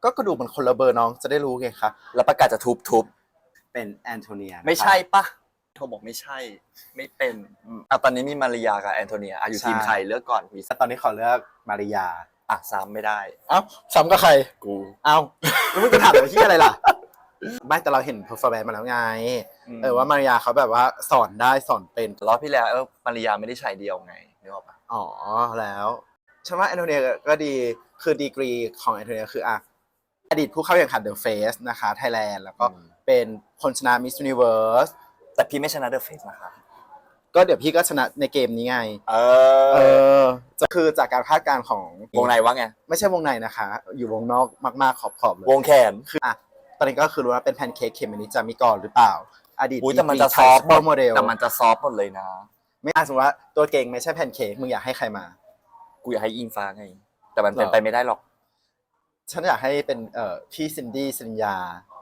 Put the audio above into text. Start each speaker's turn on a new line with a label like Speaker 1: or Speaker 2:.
Speaker 1: ก็กระดูกมันคนละเบอร์น้องจะได้รู้ไงคะ
Speaker 2: แล้วประกาศจะทุบ
Speaker 1: เป็นแอนโทเนียนะคะ
Speaker 2: ไม่ใช่ปะโทรบอกไม่ใช่ ไม่เป็นตอนนี้มีมาริยากับแอนโทเนียอยู่ทีมใครเลือกก่อนมี
Speaker 1: ตอนนี้ขอเลือกมาริยา
Speaker 2: ซ้ำไม่ได้
Speaker 1: เอ้าซ้ำกับใคร
Speaker 2: กู
Speaker 1: เอ้าแล้วมึงจะถามอะไรที่อะไรล่ะ ไม่แต่เราเห็นเพอร์ฟอร์แมนซ์มาแล้วไงว่ามาริยาเขาแบบว่าสอนได้สอนเป็น
Speaker 2: รอบที่แล้วมาริยาไม่ได้ชายเดียวไงนึกออกปะ
Speaker 1: อ๋อแล้วฉันว่าแอนโทเนียก็ดีคือดีกรีของแอนโทเนียคืออดีตผู้เข้าแข่งขันเดอะเฟสนะคะไทยแลนด์แล้วก็เป็นคนชนะมิส s u นิเวิร์ส
Speaker 2: แต่พี่ไม่ชนะเดอะเฟสนะคะ
Speaker 1: ก็เดี๋ยวพี่ก็ชนะในเกมนี้ไงจะคือจากการคาดการณ์ของ
Speaker 2: วงในว่าไง
Speaker 1: ไม่ใช่วงในนะคะ อยู่วงนอกมากๆขอบๆเลยว
Speaker 2: งแขน
Speaker 1: คือตอนนี้ก็คือรู้ว่าเป็นแพนเค้กเคมินิจามิกรหรือเปล่า อดีต
Speaker 2: แต่มันจะซอฟต์
Speaker 1: โมเดล
Speaker 2: แต่มันจะซอฟต์หมดเลยนะ
Speaker 1: ไม่สมมติว่าตัวเก่งไม่ใช่แพนเค้กมึงอยากให้ใครมา
Speaker 2: กูอยากให้อิงฟ้าไง แต่มันเป็นไปไม่ได้หรอก
Speaker 1: ฉันอยากให้เป็นพี่ซินดี้สินยา